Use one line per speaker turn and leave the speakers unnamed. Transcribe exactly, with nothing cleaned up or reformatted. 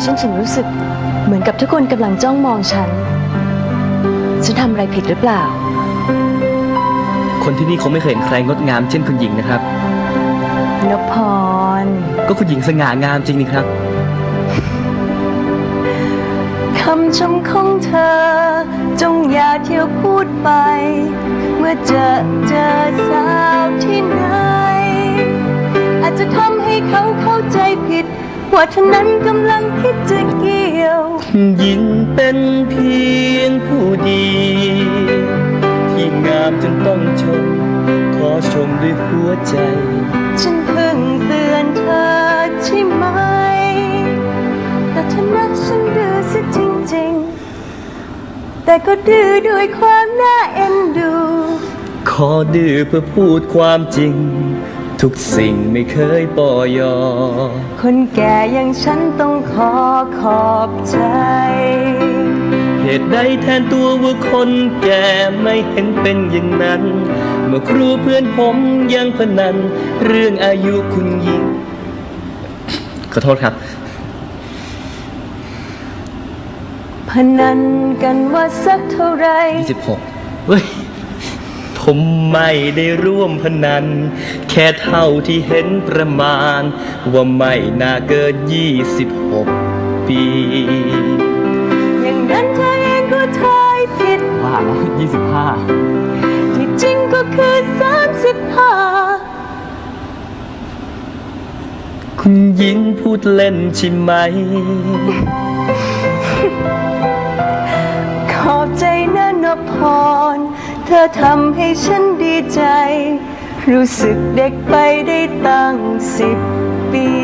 ฉันถึงรู้สึกเหมือนกับทุกคนกำลังจ้องมองฉันฉันทำอะไรผิดหรือเปล่า
คนที่นี่คงไม่เคยเห็นใครงดงามเช่นคุณหญิงนะครับ
นพพร
ก็คุณหญิงสง่างามจริงนี่ครับ
คำชมของเธอจงอย่าเที่ยวพูดไปเมื่อเจอเจอสาวที่ไหนอาจจะทำให้เขาเข้าใจผิดว่าเธอนั้นกำลังคิดจะเกี่ยว
หญิงเป็นเพียงผู้ดีที่งามจนต้องชมขอชมด้วยหัวใจ
ฉันเพิ่งเตือนเธอใช่ไหมแต่เธอนักฉันดื้อซะจริงๆแต่ก็ดื้อด้วยความน่าเอ็นดู
ขอดื้อเพื่อพูดความจริงทุกสิ่งไม่เคยปอยอ
คนแก่อย่างฉันต้องขอขอบใจ
เหตุใดแทนตัวว่าคนแก่ไม่เห็นเป็นอย่างนั้นเมื่อครูเพื่อนผมยังพนันเรื่องอายุคุณหญิงขอโทษครับ
พนันกันว่าสักเท่าไร
ยี่สิบหกเฮ้ยผมไม่ได้ร่วมพนันแค่เท่าที่เห็นประมาณว่าไม่น่าเกินยี่สิบหกปี
อย่างนั้นเธอเองก็ทายผิด
ว่าแล้วยี่สิบห้า
ที่จริงก็คือสามสิบห้า
คุณหญิงพูดเล่นใช่ไหม
ขอบใจนะนพพรเธอทำให้ฉันดีใจรู้สึกเด็กไปได้ตั้งสิบปี